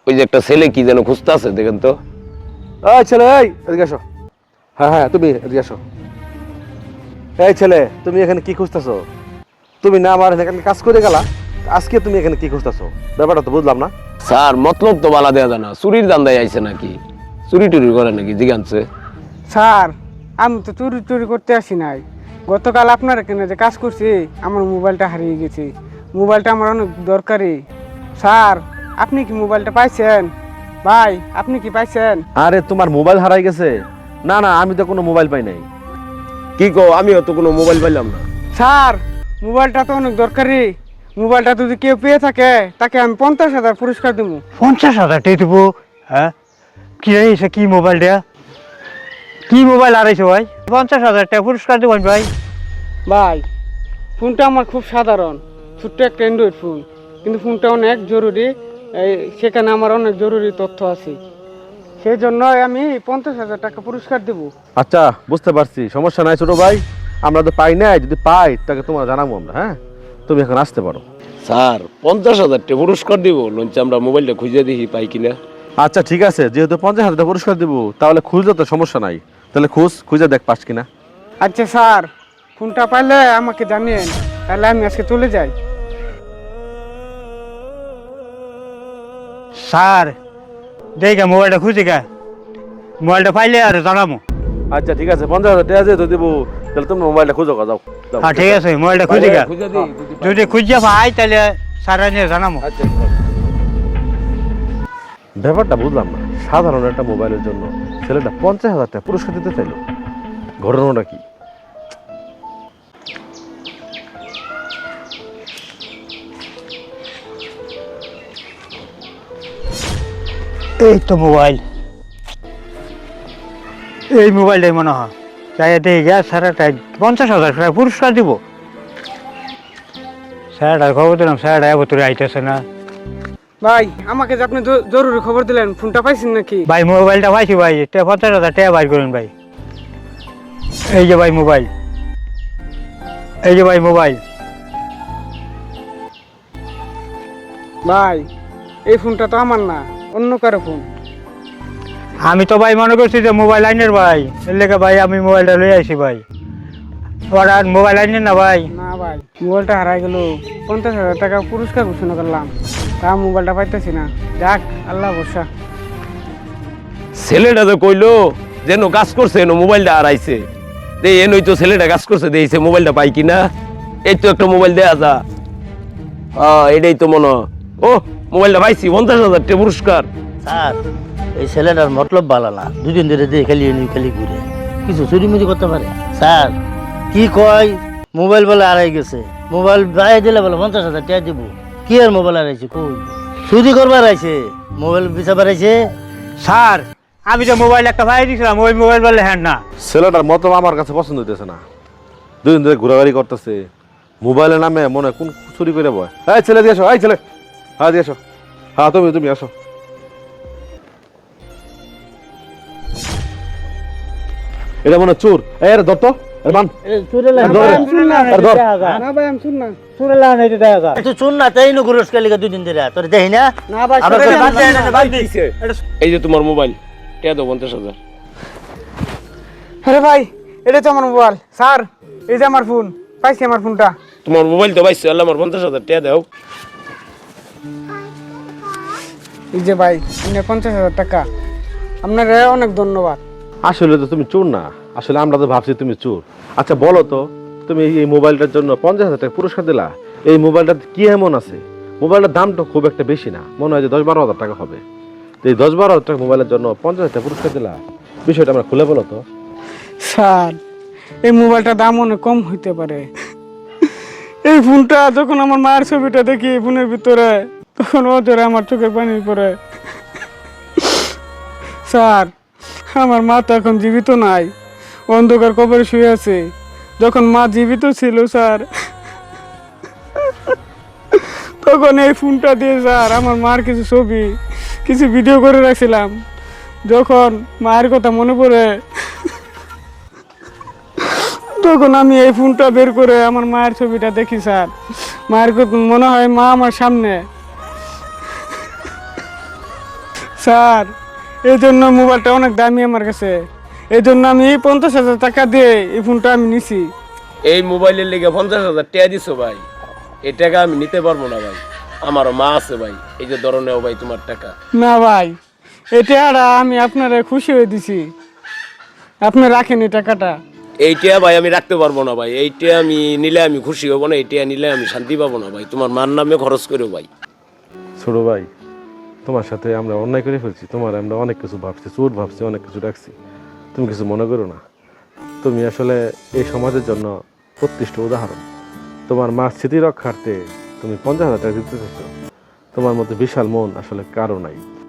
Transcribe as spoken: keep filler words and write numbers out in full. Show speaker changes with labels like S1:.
S1: ওই যে একটা ছেলে কি যেন খুঁজতে আছে, দেখেন তো।
S2: এই ছেলে, এই এদিকে আসো। হ্যাঁ হ্যাঁ, তুমি এদিকে আসো। এই ছেলে, তুমি এখানে কি খুঁজতেছো? তুমি না আমার এখানে কাজ করে গেলা, আজকে তুমি এখানে কি খুঁজতেছো? ব্যাপারটা তো বুঝলাম না।
S1: স্যার মতলব তো বালা দেওয়া যায় না, চুরির দান্দায় আইছে নাকি, চুরি টুরি করে নাকি জিজ্ঞানছে।
S3: স্যার আমি তো চুরি চুরি করতে আসি নাই। গতকাল আপনার এখানে যে কাজ করছি আমার মোবাইলটা হারিয়ে গেছে। মোবাইলটা আমার অনেক দরকারি। স্যার আপনি কি মোবাইলটা পাইছেন? ভাই আপনি কি পাইছেন?
S2: আরে তোমার মোবাইল হারাই গেছে? না না, আমি তো কোনো মোবাইল পাই নাই।
S1: কি কো, আমিও তো কোনো মোবাইল পাইলাম না।
S3: স্যার মোবাইলটা তো অনেক দরকারি। মোবাইলটা যদি কেউ পেয়ে থাকে তাকে আমি পঞ্চাশ হাজার পুরস্কার দেবো।
S4: পঞ্চাশ হাজার টাকা দেবো? হ্যাঁ, কি হয়েছে? কি মোবাইল দেয়া? কি মোবাইল হারাইছো ভাই? পঞ্চাশ হাজার টাকা পুরস্কার দেবেন ভাই?
S3: ভাই ফোনটা আমার খুব সাধারণ, ছোট্ট একটা অ্যান্ড্রয়েড ফোন, কিন্তু ফোনটা অনেক জরুরি। এই সেখানে আমার অনেক জরুরি তথ্য আছে, সেই জন্য আমি পঞ্চাশ হাজার টাকা পুরস্কার দেবো।
S2: আচ্ছা বুঝতে পারছি, সমস্যা নাই ছোট ভাই, আমরা তো পাই নাই। যদি পাই তাকে তোমার জানাবো আমরা। হ্যাঁ, তুমি এখন আসতে পারো।
S1: স্যার পঞ্চাশ হাজার টাকা পুরস্কার দিব, লঞ্চে আমরা মোবাইলটা খুঁজে দেখি পাই কিনা।
S2: আচ্ছা ঠিক আছে, যেহেতু পঞ্চাশ হাজার টাকা পুরস্কার দেবো, তাহলে খুঁজলে তো সমস্যা নাই। তাহলে খুঁজ, খুঁজে দেখ পাস কিনা।
S3: আচ্ছা স্যার, ফোনটা পাইলে আমাকে জানিয়েন, তাহলে আমি আজকে চলে যাই।
S4: স্যার দেখে মোবাইলটা খুঁজে গা, মোবাইলটা পাইলে আর জানাবো।
S2: আচ্ছা ঠিক আছে, পঞ্চাশ হাজার টাকা যেহেতু দেবো, তাহলে তুমি মোবাইলটা খুঁজো গা, যাও যাও।
S4: হ্যাঁ ঠিক আছে, মোবাইলটা খুঁজে গা।
S1: খুঁজে দিই
S4: যদি খুঁজে পাই তাহলে স্যার নিয়ে জানাবো।
S1: আচ্ছা।
S2: ব্যাপারটা বুঝলাম না, সাধারণ একটা মোবাইলের জন্য ছেলেটা পঞ্চাশ হাজার টাকা পুরস্কার দিতে চাইলো, ঘটনাটা কি?
S4: এই তো মোবাইল, এই মোবাইলটাই মনে হয়। চাই দেখে গা স্যারটা পঞ্চাশ হাজার টাকা পুরস্কার দিব। স্যারটার খবর দিলাম, স্যারটা এবার তোর আইতেছে না।
S3: ভাই আমাকে যে আপনি জ- জরুরি খবর দিলেন, ফোনটা পাইছেন নাকি?
S4: ভাই মোবাইলটা পাইছি ভাই, টা- পঞ্চাশ হাজার টাকা বাইর করুন ভাই। এই যে ভাই মোবাইল, এই যে ভাই মোবাইল।
S3: ভাই এই ফোনটা তো আমার না, অন্য কারো ফোন।
S4: আমি তো ভাই মনে করছি যে মোবাইল আইনের ভাই, এর লেগে ভাই আমি মোবাইলটা লই আইছি ভাই। ওরা মোবাইল আইনের না ভাই।
S3: না ভাই, মোবাইলটা হারাই গেল। পঞ্চাশ হাজার টাকা পুরস্কার ঘোষণা করলাম, তা মোবাইলটা পাইতেছি না। যাক আল্লাহ ভরসা।
S1: ছেলেটা তো কইলো যেন কাজ করছে, এনো মোবাইলটা হারাইছে। এই এনই তো ছেলেটা কাজ করছে, দেখছে মোবাইলটা পাই কিনা। এই তো একটা মোবাইল দেয়া যা। হ্যাঁ এটাই তো মনে হয়। ও মোবাইলটা পাইছি, পঞ্চাশ হাজার টাকা পুরস্কার।
S5: স্যার এই ছেলেটার মতলব ভালো না, দুদিন ধরে দিয়ে খালি এনে খালি ঘুরে, কিছু চুরি মুরি করতে পারে? স্যার কি কয় মোবাইল বলে হারাই গেছে, মোবাইল বাইরে দিলে বলে পঞ্চাশ হাজার টাকা দিব। কি আর মোবাইল হারাইছে? কই চুরি করবার আইছে, মোবাইল বিচাবার আইছে।
S4: স্যার আমি তো মোবাইল একটা ভাই দিয়েছিলাম, ওই মোবাইল বললে হ্যাঁ না।
S2: ছেলেটার মতো আমার কাছে পছন্দ হইতেছে না, দুদিন ধরে ঘোরাঘুরি করতেছে, মোবাইলের নামে মনে হয় কোন চুরি করে বয়। এই ছেলে দিয়ে আসো, এই ছেলে, হ্যাঁ দিয়ে আসো। হ্যাঁ তুমি তুমি আসো। এটা মনে হয় চোর। এই আরে ধর তো, এই বান।
S5: চুরে লাগে
S2: ধর।
S3: আমি শুন না।
S2: আরে ধর।
S3: না ভাই আমি শুন না।
S4: চুরে লাগান এই দেখা যায়।
S5: তুই চুন না, তাই নো ঘুরস কালিকা দুদিন ধরে, তোর দেখি না।
S3: না ভাই
S5: আমরা
S3: সরে
S5: তো
S3: যান,
S5: বাদ দেয় না, বাদ দিই।
S1: এই যে তোমার মোবাইল, টাকা দাও পঞ্চাশ হাজার।
S3: আরে ভাই এটা তো আমার মোবাইল। স্যার এই যে আমার ফোন, পাইছি আমার ফোনটা।
S1: তোমার মোবাইল তো পাইছি, আল্লাহ আমার পঞ্চাশ হাজার টাকা দাও।
S3: এই যে ভাই এনে পঞ্চাশ হাজার টাকা, আপনার অনেক ধন্যবাদ।
S2: আসলে তো তুমি চোর না, আসলে আমরা তো ভাবছি তুমি চোর। আচ্ছা বলো তো, তুমি এই মোবাইলটার জন্য পঞ্চাশ হাজার টাকা পুরস্কার দিলা, এই মোবাইলটার কি এমন আছে? মোবাইলটার দাম তো খুব একটা বেশি না, মনে হয় যে দশ বারো হাজার টাকা হবে। তো এই দশ বারো হাজার টাকা মোবাইলের জন্য পঞ্চাশ হাজার টাকা পুরস্কার দিলা, বিষয়টা আমরা খুলে বলো তো।
S3: স্যার এই মোবাইলটার দাম অনেক কম হইতে পারে। এই ফোনটা যখন আমার মায়ের ছবিটা দেখি ফোনের ভিতরে, তখন ও ধরে আমার চোখের পানি পড়ে। স্যার আমার মা তো এখন জীবিত নাই, অন্ধকার কবরে শুয়ে আছে। যখন মা জীবিত ছিল স্যার, তখন এই ফোনটা দিয়ে স্যার আমার মার কিছু ছবি, কিছু ভিডিও করে রাখছিলাম। যখন মায়ের কথা মনে পড়ে, তখন আমি এই ফোনটা বের করে আমার মায়ের ছবিটা দেখি স্যার। মায়ের কথা মনে হয় মা আমার সামনে। স্যার এই জন্য মোবাইলটা অনেক দামি আমার কাছে, এই জন্য আমি পঞ্চাশ হাজার টাকা দিয়ে এই ফোনটা আমি নিছি।
S1: এই মোবাইলের লেগে পঞ্চাশ হাজার টাকা দিছো ভাই, এই টাকা আমি নিতে পারবো না ভাই, আমারও মা আছে ভাই, এই যে ধরো নেও ভাই তোমার টাকা।
S3: না ভাই, এটা আর আমি আপনারা খুশি হয়ে দিছি, আপনি রাখেন এই টাকাটা।
S1: এইটা ভাই আমি রাখতে পারবো না ভাই, এইটা আমি নিলে আমি খুশি হবো না, এইটা নিলে আমি শান্তি পাবো না ভাই, তোমার মার নামে খরচ করো ভাই।
S2: ছোট ভাই, তোমার সাথে আমরা অন্যায় করে ফেলছি, তোমার আমরা অনেক কিছু ভাবছি, চোট ভাবছি, অনেক কিছু রাখছি, তুমি কিছু মনে করো না। তুমি আসলে এই সমাজের জন্য প্রতিষ্ঠিত উদাহরণ। তোমার মার স্মৃতি রক্ষার্থে তুমি পঞ্চাশ হাজার টাকা দিতে চাইছো, তোমার মধ্যে বিশাল মন আসলে কারো নাই।